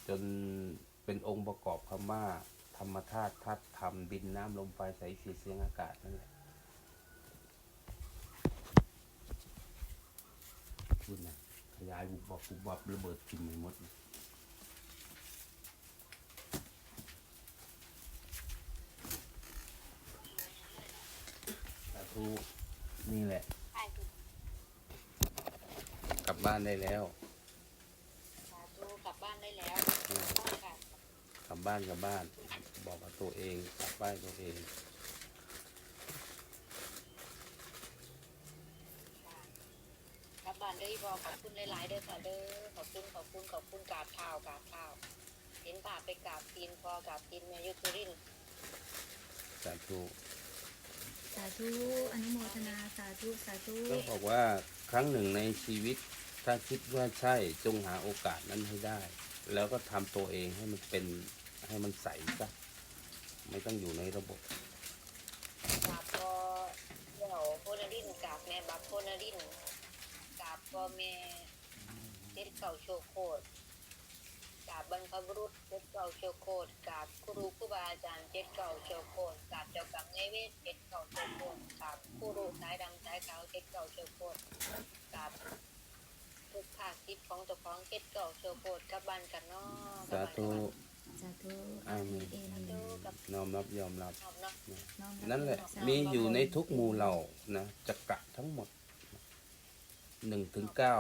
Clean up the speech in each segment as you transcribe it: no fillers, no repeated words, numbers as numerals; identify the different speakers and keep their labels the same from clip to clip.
Speaker 1: จนเป็นองค์ประกอบคำว่าธรรมธาตุธาตุธรรมดินน้ำลมไฟแสงสีเสียงอากาศนั่นแหละพูดนะขยายบุบบับบุบบับระเบิดกินไปหมดสาธุนี่แหละกลับบ้านได้แล้ว
Speaker 2: สาธุกลับบ้านได้แล้วบ้านค่ะ
Speaker 1: กลับบ้านบอกกับตัวเองกลับบ้านตัวเอง
Speaker 2: กลับบ้านได้พอขอบคุณหลายๆเด้อค่ะเด้อขอบคุณกราบเท้าเห็นป่าไปกราบตีนพอกราบตีนแม่ยุทธริน
Speaker 1: สาธุ
Speaker 3: สาธุอนุโมทนาสาธุสาธุ
Speaker 1: ก็บอกว่าครั้งหนึ่งในชีวิตถ้าคิดว่าใช่จงหาโอกาสนั้นให้ได้ แล้วก็ทำตัวเองให้มันเป็นให้มันใสซะไม่ต้องอยู่ในระบบ
Speaker 2: กราบพอเดี่ยวโพนารินกราบแม่บับโพนารินกราบพ่อแม่เจ็ดเก่าโชโคตกราบบรรพบุรุษเจ็ดเก่าโชโคตกราบครูครูบาอาจารย์เจ็ดเก่าโชโคตกราบเจ้ากรรมนายเวทเจ็ดเก่าโชโคตกราบครูสายดำสายขาวเจ็ดเก่าโชโคตกราบทุกภาคทิศของเจ้าของเจ็ดเก่าโชโคตกลับบ้านกันเนาะ
Speaker 1: สาธุ
Speaker 3: สาธุ
Speaker 1: อาเมน
Speaker 3: เอเมน
Speaker 1: น้อมรับยอมรับ
Speaker 2: ชอบเนาะ
Speaker 3: น้อมรับ
Speaker 1: นั่นแหละ
Speaker 3: สาธุ
Speaker 1: มีอยู่ในทุกหมู่เหล่านะจักระทั้งหมด1 ถึง 9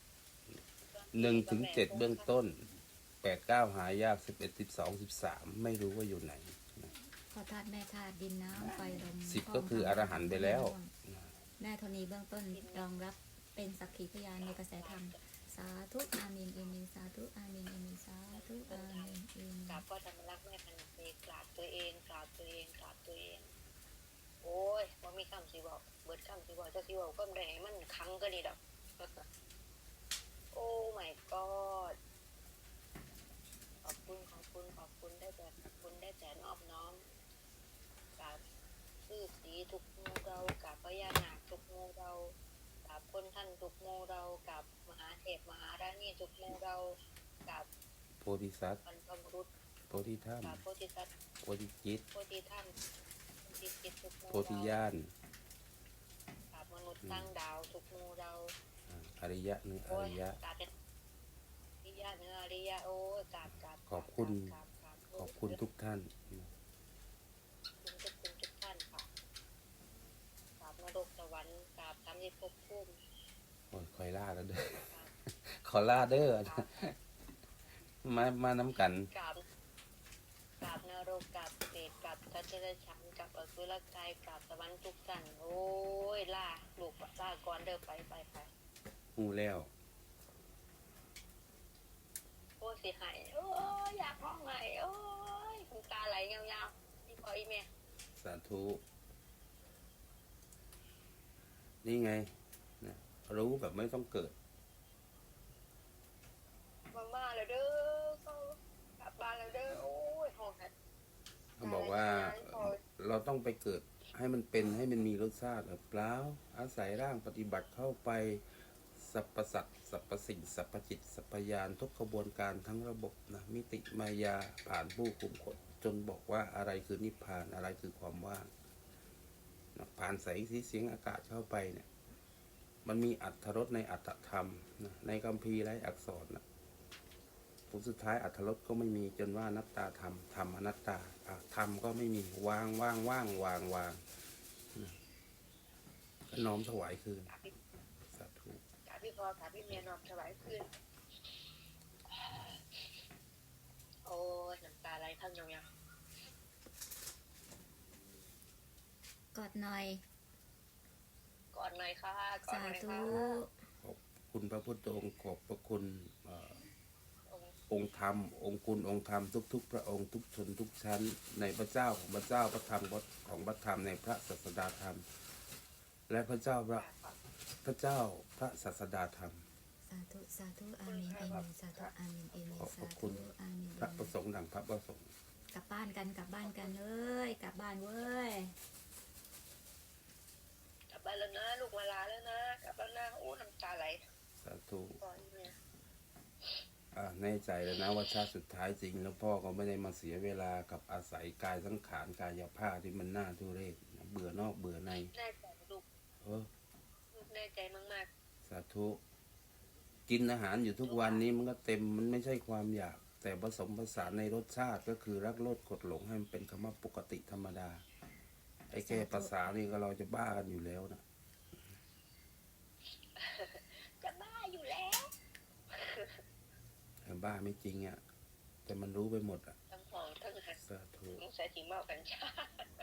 Speaker 1: 1 ถึง 7เบื้องต้น8 9หายาก11 12 13ไม่รู้ว่าอยู่ไหน
Speaker 3: พ่อธาตุแม่ธาตุดินน้ำไฟลม
Speaker 1: 10ก็คืออรหันต์ไปแล้ว
Speaker 3: แม่ธรณีเบื้องต้นรองรับเป็นสักขีพยานในกระแสธรรมสาธุอาเมนเอเมนสาธุอาเมนเอเมนสาธุอาเมนเอเม
Speaker 2: กราบ
Speaker 3: น
Speaker 2: พ่อธรรมรักษ์แม่พันธุ์เอกกราบตัวเองกราบตัวเองกราบตัวเองโอ้ยว่ามีคำสิบอกเบิดคำสิบอกจะสิบอกก็ไม่ได้ให้มันคังก็ดีดอก โอ้ my god ขอบคุณได้แต่นอบน้อมกับชื่อสีทุกหมู่เรากับพญานาคทุกหมู่เรากับคนท่านทุกหมู่เรากับมหาเทพมหาราณีทุกหมู่เรากับ
Speaker 1: โพธิสัตว์
Speaker 2: บรรพบุรุษ
Speaker 1: โพธิธรรม
Speaker 2: กับโพธิสัตว์
Speaker 1: โพธิจิต
Speaker 2: โพธิท่านโพธิจิตทุกหมู่
Speaker 1: โพธิ
Speaker 2: เรา
Speaker 1: ญาณ
Speaker 2: กับมนุษย์ตั้งดาวทุกหมู่เรา
Speaker 1: อริยะเนื้ออ
Speaker 2: โอ้ย
Speaker 1: ริยะ
Speaker 2: กราบเป็นอริยะเนื้ออริยะโอ้ยกราบ
Speaker 1: ขอบคุณ
Speaker 2: กราบ
Speaker 1: ขอบคุณทุกท่าน
Speaker 2: ทุกท่านค่ะกราบนรกสวรรค์กราบทำให้ภพภูมิ
Speaker 1: โอ้ยคอยล่าแล้วเด้อ
Speaker 2: กราบ
Speaker 1: ขอล่าเด้อมาน้ำกัน
Speaker 2: กราบนรกกราบเปรตกราบสัตว์เดรัจฉานกราบอสุรกายกราบสวรรค์ทุกท่านโอ้ยล่าลูกล่าก่อนเด้อไป
Speaker 1: หูแล้ว
Speaker 2: โอ้ยสิหายโอ้ยอยากร้องไห้โอ้ยน้ำตาไหลยาวๆนี่พออีเมีย
Speaker 1: สาธุ นี่ไงนะรู้แบบไม่ต้องเกิด
Speaker 2: มาแล้วเด้อเขากลับบ้านแล้วเด้อโอ้ยโหด
Speaker 1: เขาบอกว่าเราต้องไปเกิดให้มันเป็นให้มันมีรสชาติเปล่าอาศัยร่างปฏิบัติเข้าไปสรรพสัตว์สรรพสิ่งสรรพจิตสรรพยานทุกขบวนการทั้งระบบนะมิติมายาผ่านผู้คุมกฎจนบอกว่าอะไรคือนิพพานอะไรคือความว่างนะผ่านแสงสีเสียงอากาศเข้าไปเนี่ยมันมีอรรถรสในอัตถธรรมนะในคัมภีร์ไร้อักษรนะผลสุดท้ายอรรถรสก็ไม่มีจนว่านัตตาธรรมธรรมอนัตตาธรรมก็ไม่มีวางก็น้อมถวายคืนสาธุ
Speaker 2: กราบพี่พอกราบพี่เมียนอมถวายคืนโอ้ยน้ำตาไหลทั้งยาว
Speaker 3: กอดหน่อย
Speaker 2: ๆก่อนหน่อยค่ะก่อน
Speaker 3: สา
Speaker 2: หน่อย
Speaker 3: ธุ
Speaker 2: ค่ะ
Speaker 1: ขอบคุณพระพุทธองค์ขอบพระคุณ
Speaker 2: องค์
Speaker 1: องค์ธรรมองค์คุณองค์ธรรมทุกๆพระองค์ทุกชนทุกชั้นในพระเจ้าของพระเจ้าพระธรรมของพระธรรมในพระศาสดาธรรม และพระเจ้าพระศาสดาธรรม
Speaker 3: สาธุสาธุอาเมนเอเมนสาธุอาเมนเอเมน
Speaker 1: ขอบพ
Speaker 3: สา
Speaker 1: ระคุ
Speaker 3: ธุ
Speaker 1: ณ
Speaker 3: อาเมน
Speaker 1: พระประสงค์ดังพระประสงค์
Speaker 3: กลับบ้านกันเลยกลับบ้านเว้ย
Speaker 2: กลับบ้านแล้วนะลูกมาลาแล้วนะกลับแล้วนะโอ้น้ำตาไหล
Speaker 1: สาธุ
Speaker 2: ก่อนเนี่ย
Speaker 1: อาแน่ใจแล้วนะว่าชาติสุดท้ายจริง แล้วพ่อก็ไม่ได้มาเสียเวลากับอาศัยกายสังขารกายภาพที่มันน่าทุเรศนะเบื่อนอกเบื่อใน
Speaker 2: แน่ใจลูก
Speaker 1: เออ
Speaker 2: ลูกแน่ใจมาก
Speaker 1: สาธุกินอาหารอยู่ทุกวันนี้มันก็เต็มมันไม่ใช่ความอยาก แต่ผสมผสานในรสชาติก็คือรักโลดกดหลงให้มันเป็นคำว่าปกติธรรมดา ไอ้แค่ภาษานี่ก็เราจะบ้ากันอยู่แล้วนะ
Speaker 2: ๆ จะบ้าอยู่แล้ว
Speaker 1: แต่บ้าไม่จริงอ่ะแต่มันรู้ไปหมดอ่ะ
Speaker 2: ทั้งหองทั้งหัด
Speaker 1: สาธุ
Speaker 2: ต้องใส่สีเมากัญชา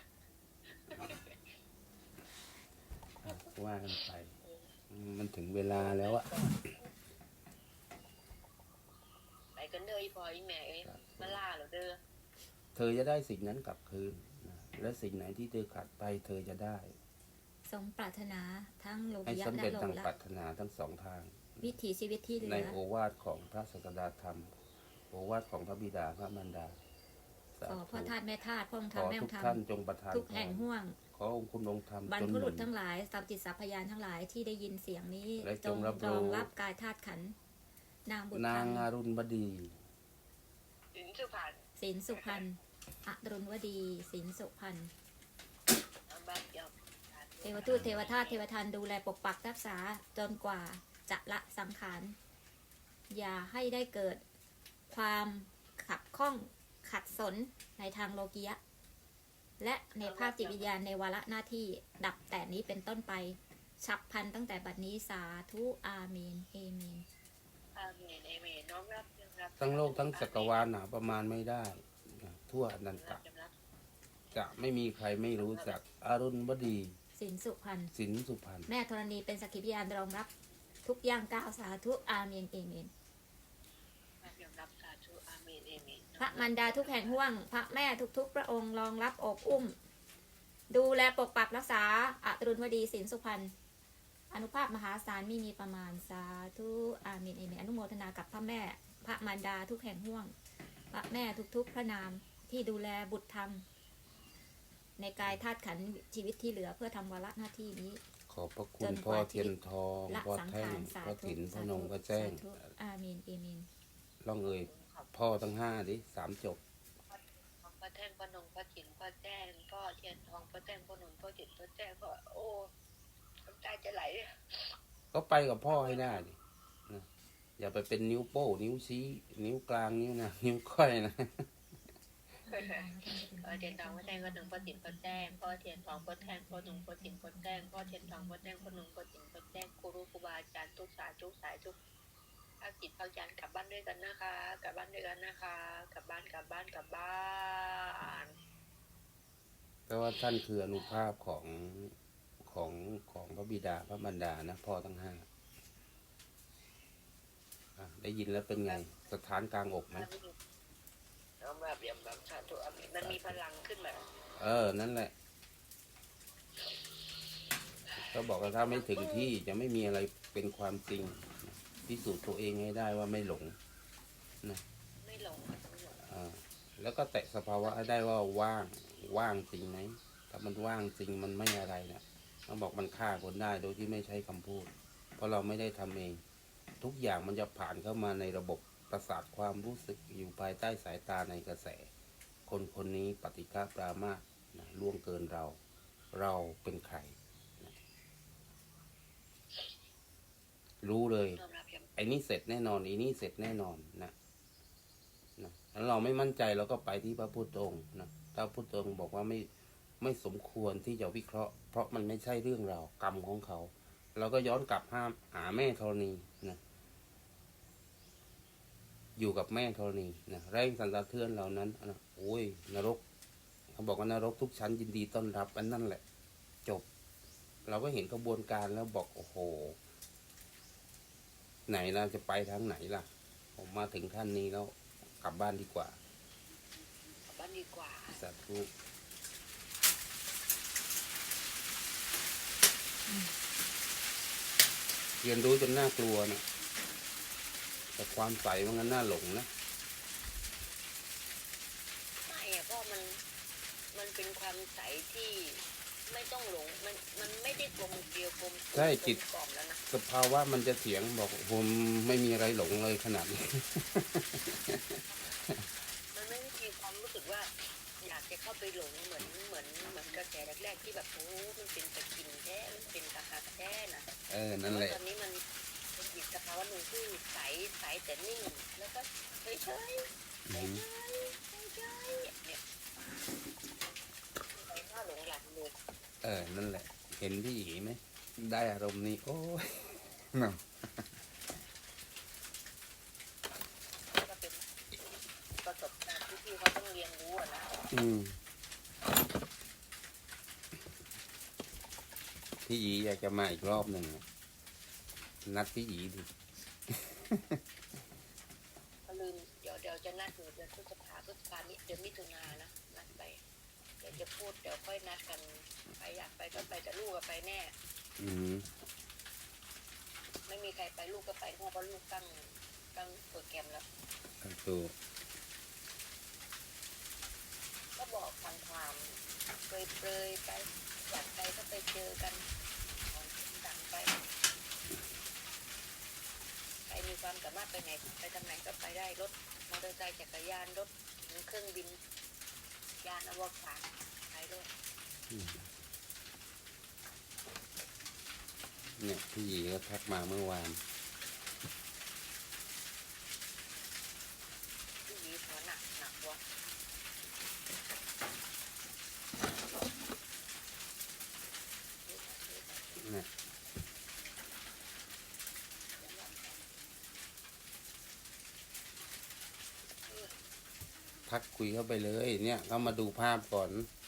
Speaker 1: อ่ะว่ากันไปมันถึงเวลาแล้วอะ
Speaker 2: ไปกันเด้ออีพ่ออีแม่เอ้ยมาล่าเหรอเด้อ
Speaker 1: เธอจะได้สิ่งนั้นกลับคืนนะและสิ่งไหนที่เธอขาดไป เธอจะได้
Speaker 3: สมปรารถนาทั้งโล
Speaker 1: ให้
Speaker 3: กิยะ
Speaker 1: สำ
Speaker 3: และ
Speaker 1: เร็จ
Speaker 3: โล
Speaker 1: ดัง
Speaker 3: ละ
Speaker 1: ปรารถนาทั้งสองทาง
Speaker 3: วิถีชีวิตที่เหลื
Speaker 1: ใน
Speaker 3: อ
Speaker 1: โอวาทของพระศาสดาธรรม โอวาทของพระบิดาพระมารดาสา
Speaker 3: ขอ
Speaker 1: ธุ
Speaker 3: พ่อธาตุแม่ธาตุพ่อองค์ธร
Speaker 1: ข
Speaker 3: รม
Speaker 1: อ
Speaker 3: แม่อ
Speaker 1: ทุ
Speaker 3: ง
Speaker 1: ก
Speaker 3: ค์ธรร
Speaker 1: ท่าน
Speaker 3: ม
Speaker 1: จงประทาน
Speaker 3: ทุกแห่ง
Speaker 1: พร
Speaker 3: ห่วง
Speaker 1: ขอองค์คุณองค์ธรรม
Speaker 3: บรร
Speaker 1: จง
Speaker 3: พ
Speaker 1: ห
Speaker 3: บุ
Speaker 1: นุ
Speaker 3: รุษ
Speaker 1: น
Speaker 3: ทั้งหลายสัพจิตสัพพยานทั้งหลายที่ได้ยินเสียงนี้
Speaker 1: และ
Speaker 3: จ
Speaker 1: จ
Speaker 3: ง
Speaker 1: งรับรู้
Speaker 3: รองรับกายธาตุขันธ์นางบุตร
Speaker 1: นา
Speaker 3: ธรง รม
Speaker 1: อารุณบดี
Speaker 2: ถึงสุพรรณ
Speaker 3: ศิลสุพรรณอรุณวดีศิลสุพรรณ
Speaker 2: น้ำบ้านยอม
Speaker 3: เทวทูตเทวทาสเทวทันดูแลปกปักรักษาจนกว่าจะละสังขาร อย่าให้ได้เกิดความขัดข้องขัดสนในทางโลกียะ และในภาคจิตวิญญาณในวาระหน้าที่ดับแต่นี้เป็นต้นไป ฉับพลันตั้งแต่บัดนี้สาธุอาเมนเอเมน
Speaker 2: อาเมนเอเมนน้อมรับยอมรับ
Speaker 1: ทั้งโลกทั้งจักรวาลหาประมาณไม่ได้นะทั่วอนันตะ
Speaker 2: ยอมรับ
Speaker 1: จะไม่มีใครไม่รู้จักอารุณบดี
Speaker 3: สินสุพรรณ
Speaker 1: สินสุพรรณ
Speaker 3: แม่ธรณีเป็นสักขีพยานรองรับ ทุกอย่างก้าวสาธุอาเมนเอเมน
Speaker 2: ยอมรับสาธุอาเมนเอเมน
Speaker 3: พระมารดาทุกแห่งห่วง พระแม่ทุกๆ พระองค์รองรับอบอุ้ม ดูแลปกปักรักษาอรุณวดีสินสุพรรณอนุภาพมหาศาลไม่มีประมาณสาธุอาเมนเอเมนอนุโมทนากับพระแม่ พระมารดาทุกแห่งห่วง พระแม่ทุกๆ พระนามที่ดูแลบุตรธรรม ในกายธาตุขันธ์ชีวิตที่เหลือเพื่อทำวาระหน้าที่นี้
Speaker 1: ขอบพระคุ
Speaker 3: จ
Speaker 1: ณ
Speaker 3: นก
Speaker 1: พ่อ
Speaker 3: ว่า
Speaker 1: เทียนทอง
Speaker 3: ละ
Speaker 1: พ่อ
Speaker 3: สัง
Speaker 1: แท่ง
Speaker 3: ขารสา
Speaker 1: พ่อ
Speaker 3: ธุ
Speaker 1: ถินพ่อ
Speaker 3: สาน
Speaker 1: ง
Speaker 3: ธุ
Speaker 1: พ่อแจ้ง
Speaker 3: สาธุอาเมนเอเมน
Speaker 1: ล่องเอ่ยพ่อทั้งห้าดิ3 จบ
Speaker 2: ของพ่อแท่งพ่อนงพ่อจิ๋นพ่อแจ้งพ่อเทียนทองพ่อแจ้งพ่อหนุ่มพ่อจิ๋นพ่อแจ้งพ่อโอ้น้ำตาจะไหล
Speaker 1: ก็ไปกับพ่อให้ได้ดินะอย่าไปเป็นนิ้วโป้นิ้วชี้นิ้วกลางนิ้วนะนิ้วก้อยนะ
Speaker 2: พ่อเทียนทองพ่อแจ้งพ่อหนุ่มพ่อจิ๋นพ่อแจ้งพ่อเทียนทองพ่อแท่งพ่อหนุ่มพ่อจิ๋นพ่อแจ้งพ่อเทียนทองพ่อแจ้งพ่อหนุ่มพ่อจิ๋นพ่อแจ้งครูรู้ครูบาอาจารย์ทุกสายทุกสายทุกภาคจิตภาควิญญาณกลับบ้านด้วยกันนะคะ กลับบ้านด้วยกันนะคะ กลับบ้านกลับบ้านกลับบ้าน
Speaker 1: แต่ว่าท่านคืออนุภาพของพระบิดาพระมารดานะพ่อทั้งห้าอ่ะได้ยินแล้วเป็นไงสถานกลางอกไหม
Speaker 2: ยอมรับสาธุอาเมนมันมีพลังขึ้นมา
Speaker 1: นั่นแหละ ก็บอกว่าถ้าไม่ถึงที่จะไม่มีอะไรเป็นความจริงพิสูจน์ตัวเองให้ได้ว่าไม่หลง
Speaker 2: ไม่หลงไม่หลง
Speaker 1: แล้วก็แตะสภาวะให้ได้ว่าว่างจริงไหมถ้ามันว่างจริงมันไม่อะไรนะต้องบอกมันฆ่าคนได้โดยที่ไม่ใช้คำพูด เพราะเราไม่ได้ทำเอง ทุกอย่างมันจะผ่านเข้ามาในระบบประสาทความรู้สึกอยู่ภายใต้สายตาในกระแส คนคนนี้ปฏิฆาปรามาสนะล่วงเกินเราเป็นใครนะรู้เลย
Speaker 2: ยอมรับยอม
Speaker 1: ไอ้นี่เสร็จแน่นอนไอ้นี่เสร็จแน่นอนนะแล้วเราไม่มั่นใจเราก็ไปที่พระพุทธองค์นะพระพุทธองค์บอกว่าไม่สมควรที่จะวิเคราะห์ เพราะมันไม่ใช่เรื่องราวกรรมของเขา เราก็ย้อนกลับหาแม่ธรณีนะอยู่กับแม่ธรณีนะแรงสันสะเทือนเหล่านั้นนะโอ้ยนรกเขาบอกว่านรกทุกชั้นยินดีต้อนรับอันนั่นแหละ จบ เราก็เห็นกระบวนการแล้วบอกโอ้โห ไหนเราจะไปทางไหนล่ะ ผมมาถึงท่านนี้แล้วกลับบ้านดีกว่า
Speaker 2: กลับบ้านดีกว่า
Speaker 1: สาธุเรียนรู้จนน่ากลัวนะแต่ความใสมันก็น่าหลงนะ
Speaker 2: ไม่อะเพราะมันเป็นความใสที่ไม่ต้องหลงมันไม่ได้กลมเกลียวกลม
Speaker 1: ใช่จิต
Speaker 2: กล่อมแล้วนะ
Speaker 1: สภาวะมันจะเถียงบอกผมไม่มีอะไรหลงเลยขนาดนี้
Speaker 2: มันไม่มีความรู้สึกว่า อยากจะเข้าไปหลงเหมือนกระแสแรกๆที่แบบโอ้มันเป็นตะกินแท้มันเป็นตะหากแท้นะ
Speaker 1: นั่นแหละ
Speaker 2: ตอนนี้มันเป็นอีกสภาวะหนึ่งที่ใสแต่นิ่งแล้วก็เฉยๆเฉยๆเนี่ยไม่น่าหลงไหลเลย
Speaker 1: นั่นแหละ เห็นพี่หยีไหมได้อารมณ์นี้ โอ้ย เนาะ
Speaker 2: ก็เป็นประสบการณ์ที่พี่เขาต้องเรียนรู้อะนะ
Speaker 1: พี่หยีอยากจะมาอีกรอบหนึ่งอะนัดพี่หยีดิ
Speaker 2: ก็ลืมเดี๋ยวจะนัดอยู่เดือนพฤษภานี้เดือนมิถุนายนนะนัดไปเดี๋ยวจะพูดเดี๋ยวค่อยนัดกันใครอยากไปก็ไปแต่ลูกก็ไปแน่
Speaker 1: อืม
Speaker 2: ไม่มีใครไปลูกก็ไปเพราะลูกตั้งโปรแกรมแล้ว
Speaker 1: ถูก
Speaker 2: ก็บอกทางความเปรยๆไปอยากไปก็ไปเจอกันของดังไปใครมีความสามารถไปไหนไปทางไหนก็ไปได้รถมอเตอร์ไซค์จักรยานรถเครื่องบินยานอวกาศไปด้วย
Speaker 1: เนี่ยพี่หยีก็ทักมาเมื่อวาน
Speaker 2: ที่ยีหัวหนักวะ
Speaker 1: เนี่ยทักคุยเข้าไปเลย เนี่ยเขามาดูภาพก่อน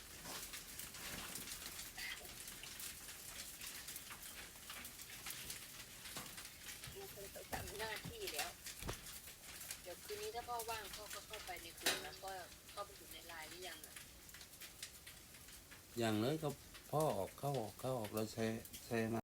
Speaker 2: มันคงไปทำหน้าที่แล้วเดี๋ยวคืนนี้ถ้าพ่อว่างพ่อก็เข้าไปในกลุ่มแล้วก็เข้าไปอยู่ในไลน์หรือยังอ่ะ
Speaker 1: อย่างเลยก็พ่อออกเข้าออกเราแชร์มา